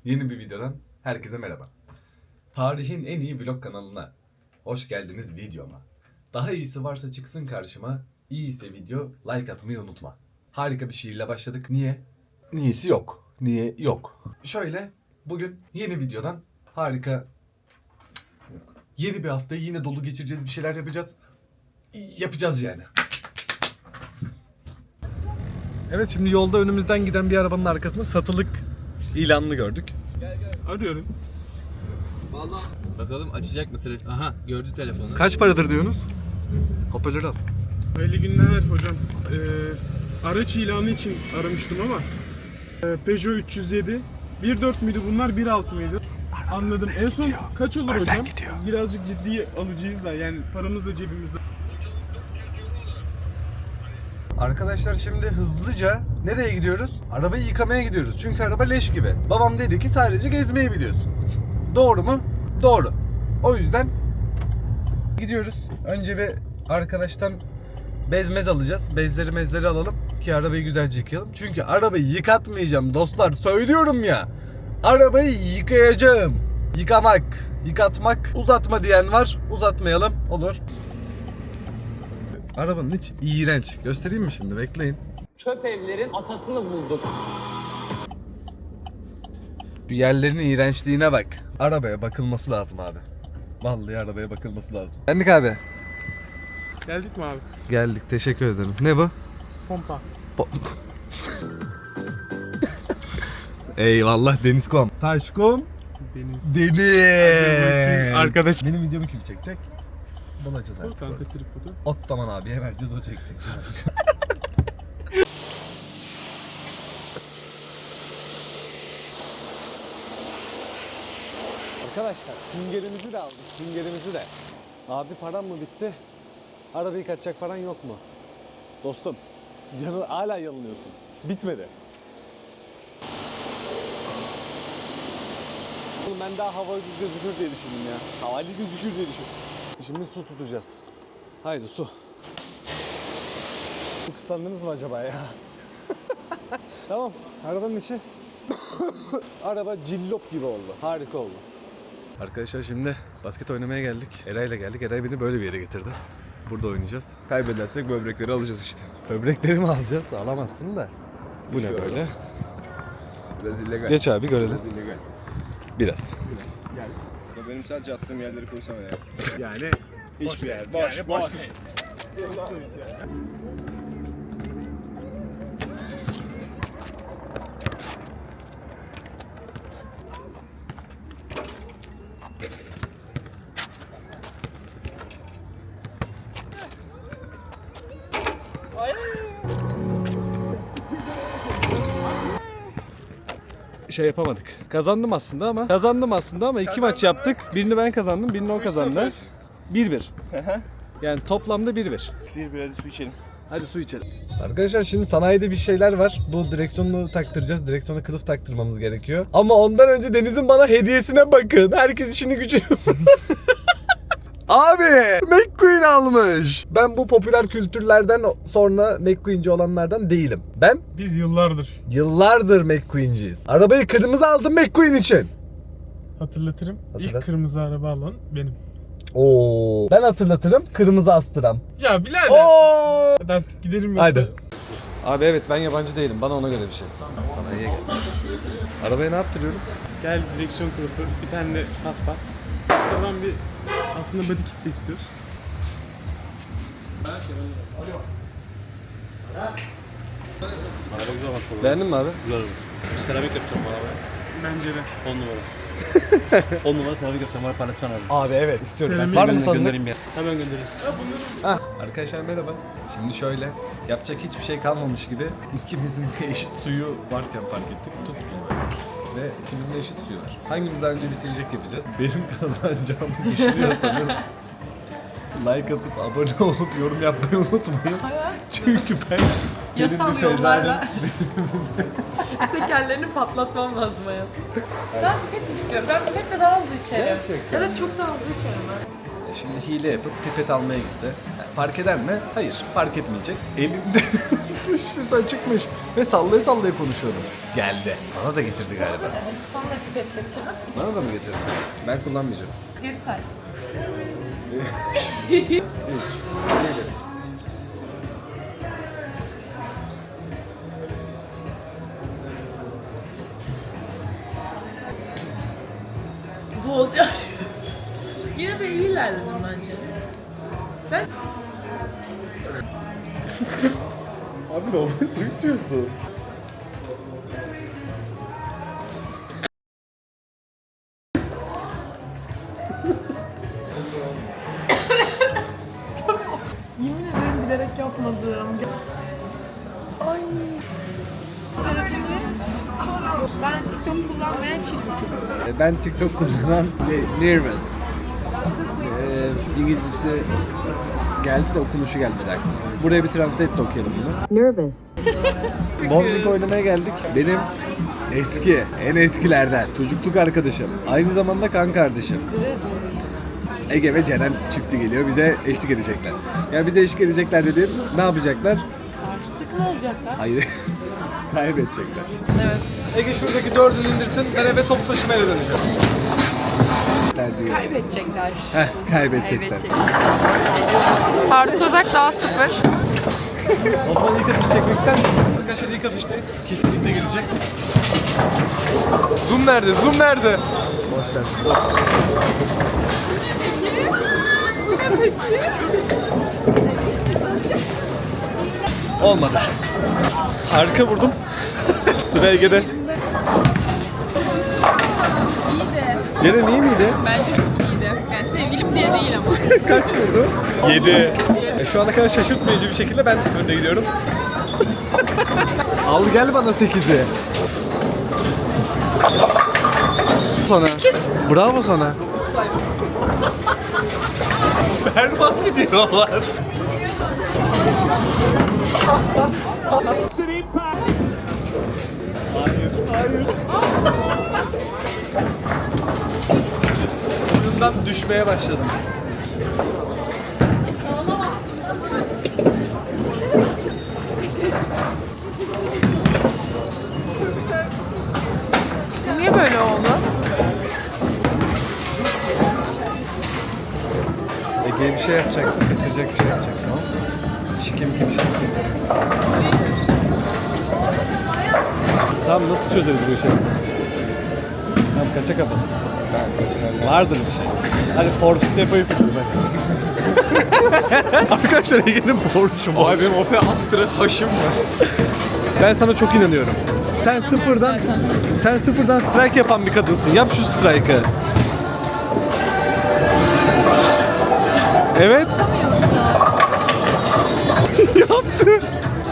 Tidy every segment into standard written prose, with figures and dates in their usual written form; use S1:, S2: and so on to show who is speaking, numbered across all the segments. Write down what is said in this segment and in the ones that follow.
S1: Yeni bir videodan herkese merhaba. Tarihin en iyi vlog kanalına hoş geldiniz videoma. Daha iyisi varsa çıksın karşıma, iyiyse video like atmayı unutma. Harika bir şiirle başladık. Niye? Niyesi yok. Niye? Yok. Şöyle bugün yeni videodan harika yeni bir haftayı yine dolu geçireceğiz, bir şeyler yapacağız. Yapacağız yani. Evet, şimdi yolda önümüzden giden bir arabanın arkasında satılık ilanını gördük. Arıyorum.
S2: Vallahi bakalım açacak mı telefon? Aha, gördü telefonu.
S1: Kaç paradır diyorsunuz? Hoparlörü al.
S3: Hayırlı günler hocam. Araç ilanı için aramıştım ama Peugeot 307 1.4 müydü bunlar, 1.6 mıydı? Anladım. En son kaç olur hocam? Birazcık ciddi alıcıyız da, yani paramız da cebimizde.
S1: Arkadaşlar şimdi hızlıca nereye gidiyoruz? Arabayı yıkamaya gidiyoruz. Çünkü araba leş gibi. Babam dedi ki sadece gezmeyi biliyorsun. Doğru mu? Doğru. O yüzden gidiyoruz. Önce bir arkadaştan bezmez alacağız. Bezleri alalım ki arabayı güzelce yıkayalım. Çünkü arabayı yıkatmayacağım dostlar. Söylüyorum ya. Arabayı yıkayacağım. Yıkamak, yıkatmak, uzatma diyen var. Uzatmayalım. Olur. Arabanın hiç iğrenç. Göstereyim mi şimdi? Bekleyin.
S2: Çöp evlerin atasını bulduk.
S1: Şu yerlerin iğrençliğine bak. Arabaya bakılması lazım abi. Vallahi arabaya bakılması lazım. Geldik abi.
S3: Geldik mi abi?
S1: Geldik. Teşekkür ederim. Ne bu?
S3: Pompa.
S1: Eyvallah Denizkom. Taşkom. Deniz.
S3: Arkadaş.
S1: Benim videomu kim çekecek? Bulacağız artık.
S3: Kanka tripodu.
S1: Ottaman abiye vereceğiz, o çeksin. Arkadaşlar süngerimizi de aldık, süngerimizi de. Abi param mı bitti? Arabayı kaçacak paran yok mu? Dostum, hala yanılıyorsun. Bitmedi. Oğlum ben daha havalı gözükür diye düşündüm ya. Havalı gözükür diye düşündüm. Şimdi su tutacağız. Haydi su. Su kısandınız mı acaba ya? Tamam, arabanın işi. Araba cillop gibi oldu. Harika oldu. Arkadaşlar şimdi basket oynamaya geldik. Eray'la geldik. Eray beni böyle bir yere getirdi. Burada oynayacağız. Kaybedersek böbrekleri alacağız işte. Böbrekleri mi alacağız? Alamazsın da. Bu ne böyle?
S4: Biraz illegal.
S1: Geç abi görelim.
S4: Biraz illegal.
S1: Biraz.
S4: Gel. Ya benim sadece attığım yerleri koysana ya.
S3: Yani
S4: Hiçbir yer. Boş,
S3: yani
S4: boş.
S1: Şey yapamadık. Kazandım aslında ama iki maç yaptık. Birini ben kazandım, birini o kazandı. 1-1. Yani toplamda 1-1.
S4: Bir hadi su içelim.
S1: Hadi su içelim. Arkadaşlar şimdi sanayide bir şeyler var. Bu direksiyonu taktıracağız. Direksiyona kılıf taktırmamız gerekiyor. Ama ondan önce Deniz'in bana hediyesine bakın. Herkes işini gücünü... Abi McQueen almış. Ben bu popüler kültürlerden sonra McQueen'ci olanlardan değilim. Ben
S3: biz yıllardır
S1: McQueen'ciyiz. Arabayı kırmızı aldım McQueen için.
S3: hatırlatırım.
S1: Hatırlat.
S3: İlk kırmızı araba alan benim.
S1: Oo. Ben hatırlatırım, kırmızı astıram.
S3: Ya birader.
S1: Oo.
S3: Hadi artık gidelim yoksa.
S1: Haydi. Abi evet, ben yabancı değilim. Bana ona göre bir şey. Sana iyi gel. Arabaya ne yaptırıyorum?
S3: Gel, direksiyon kılıfı, bir tane de paspas. Sonra bir aslında body kit de istiyoruz.
S5: Araba güzel bak.
S1: Beğendin mi abi?
S5: Güzel. Seramik yapacağım bu arabaya.
S3: Bence de.
S5: 10 numara. 10 numara seramik yapacağım. Bana paylaşacaksın abi.
S1: Abi evet istiyorum.
S3: Seramik.
S1: Var mı
S5: Hemen
S1: tanıdık?
S5: göndereyim ya. Hemen göndereyim.
S1: Arkadaşlar merhaba. Şimdi şöyle, yapacak hiçbir şey kalmamış gibi ikimizin de eşit suyu varken fark ettik. Tuttuk. Ve ikimizin de eşit suyu var. Hangimiz daha önce bitirecek yapacağız. Benim kazanacağımı düşünüyorsanız like atıp abone olup yorum yapmayı unutmayın. Çünkü ben
S6: Yasal yollarla tekerlerini patlatmam lazım hayatım. Ben pipet istiyorum. Ben pipetle daha hızlı içerim.
S1: Gerçekten.
S6: Evet, çok daha hızlı içerim ben.
S1: Şimdi hile yapıp pipet almaya gitti. Fark eder mi? Hayır, fark etmeyecek. Elimde su şişesi açıkmış ve sallaya sallaya konuşuyordum. Geldi. Bana da getirdi galiba.
S6: Sana da pipet getirdim.
S1: Bana da mı getirdi? Ben kullanmayacağım.
S6: Geri say. Bu olacak. Yine de iyi ilerledim bence. Ben
S1: Abi normal su içiyorsun.
S6: yemin ederim bilerek yapmadım. Ay. Telefonu verir misin? Ben TikTok kullanmayan çılgın.
S1: Ben TikTok kullanan nervous. İngilizcesi geldi de okunuşu gelmedi aklıma. Buraya bir translate de okuyalım bunu.
S7: Nervous.
S1: Bowling oynamaya geldik. Benim eski, en eskilerden çocukluk arkadaşım. Aynı zamanda kan kardeşim. Ege ve Ceren çifti geliyor. Bize eşlik edecekler. Yani bize eşlik edecekler dediğim ne yapacaklar?
S6: Karşı takım olacaklar.
S1: Hayır. Kaybedecekler.
S6: Evet.
S1: Ege şuradaki dördünü indirsin. Ben eve toplu taşımaya döneceğim. Diyor.
S6: Kaybedecekler.
S1: Kaybedecekler.
S6: Tarık Özak daha 0.
S1: O zaman ilk atış çekmek ister misin? Arkadaşlar ilk atıştayız. Kesinlikle gelecek. Zoom nerede? Zoom nerede? Boş ver. Olmadı. Harika vurdum. Sıra Ege'de. Ceren iyi miydi?
S6: Bence çok iyiydi. Yani sevgilim diye değil ama.
S1: Kaç vurdu? 7. Şu ana kadar şaşırtmayıcı bir şekilde ben önde gidiyorum. Al gel bana 8'i. Sana.
S6: 8.
S1: Bravo sana. Berbat gidiyorlar. Hayır. Oyundan düşmeye başladım.
S6: Niye böyle oldu?
S1: Ege'ye bir şey yapacaksın, kaçıracak bir şey yapacak, tamam mı? Kim bir şey yapacak. Tamam, nasıl çözeriz bu işi? Tamam, kaça kapat? Vardır bir şey. Hadi Porsche'u depoyu tuttum hadi. Arkadaşlar Ege'nin Porsche'u var.
S4: Abi benim Opel Astra haşım var.
S1: Ben sana çok inanıyorum. Sen sıfırdan strike yapan bir kadınsın. Yap şu strike'ı. Evet. Yaptı.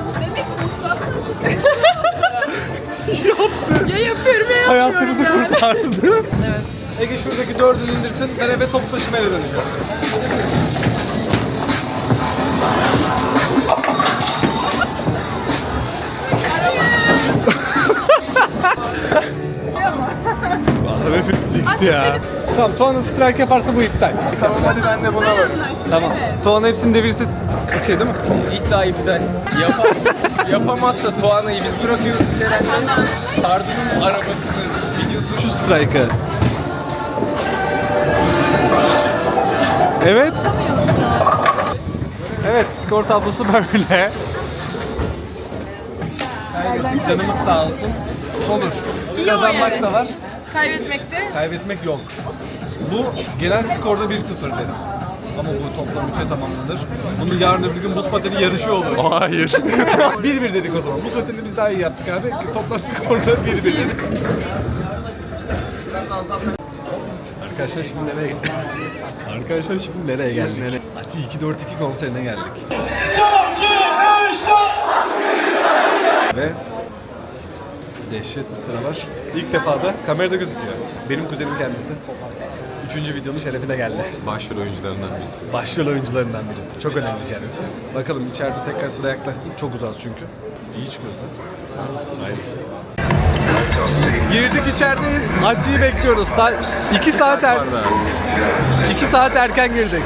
S6: Ya yapıyorum ya
S1: Hayatımızı
S6: yapmıyorum
S1: kurtardı.
S6: Evet.
S1: Ege şuradaki dördünü indirsin. Ben eve toplu taşımaya döneceğim. Vallahi hepimiz yıktı ya. Tamam, Tuğan'ın strike yaparsa bu iptal.
S4: Tamam hadi ben de buna varım.
S1: Tamam. Tuğan hepsini devirse okey değil mi?
S4: İddia iptal. Yapamazsa Tuana'yı biz bırakıyoruz Ceren'le. Arda'nın arabasını videosunu
S1: Şu strike'ı. Evet. Evet, skor tablosu böyle. Canımız sağ olsun. Olur.
S6: İyi
S1: Kazanmak
S6: yani.
S1: da var.
S6: Kaybetmekte.
S1: Kaybetmek yok. Bu genel skorda 1-0 dedim. Ama bu toplam 3'e tamamlanır. Bunu yarın öbür gün buz pateni yarışı olur. Hayır. 1-1 dedik o zaman. Buz pateni biz daha iyi yaptık abi. Toplam skorda 1-1 dedik. Arkadaşlar şimdi nereye geldik? Arkadaşlar şimdi nereye geldik? Ati 242 konserine geldik. Ve dehşet bir sıra var. İlk defa da kamerada gözüküyor. Benim kuzenim kendisi. 3. videonun şerefine geldi.
S4: başrol oyuncularından birisi.
S1: Başrol oyuncularından birisi. Çok önemli kendisi. Bakalım içeride tekrar sıra yaklaşsın. Çok uzağız çünkü. İyi çıkıyoruz ha. Hayır. Girdik içerideyiz. Acıyı bekliyoruz. 2 saat 2 saat erken girdik.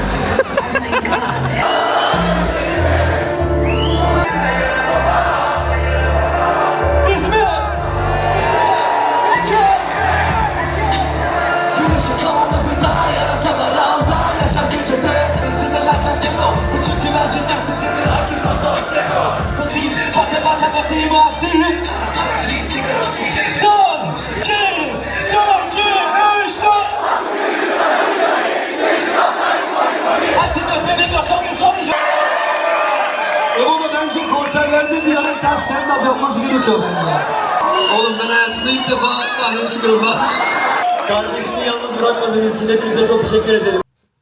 S7: Ama bence konserlerde bir yarım saat stand-up yapması gerekiyor bence. Oğlum ben hayatımda ilk defa sahneye çıkıyorum bak. Kardeşimi yalnız bırakmadığınız için hepinize çok teşekkür ederim.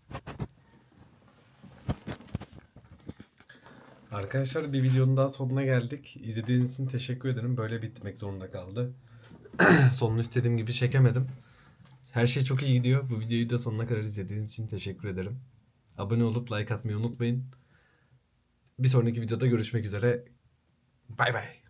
S1: Arkadaşlar bir videonun daha sonuna geldik. İzlediğiniz için teşekkür ederim. Böyle bitmek zorunda kaldı. Sonunu istediğim gibi çekemedim. Her şey çok iyi gidiyor. Bu videoyu da sonuna kadar izlediğiniz için teşekkür ederim. Abone olup like atmayı unutmayın. Bir sonraki videoda görüşmek üzere. Bay bay.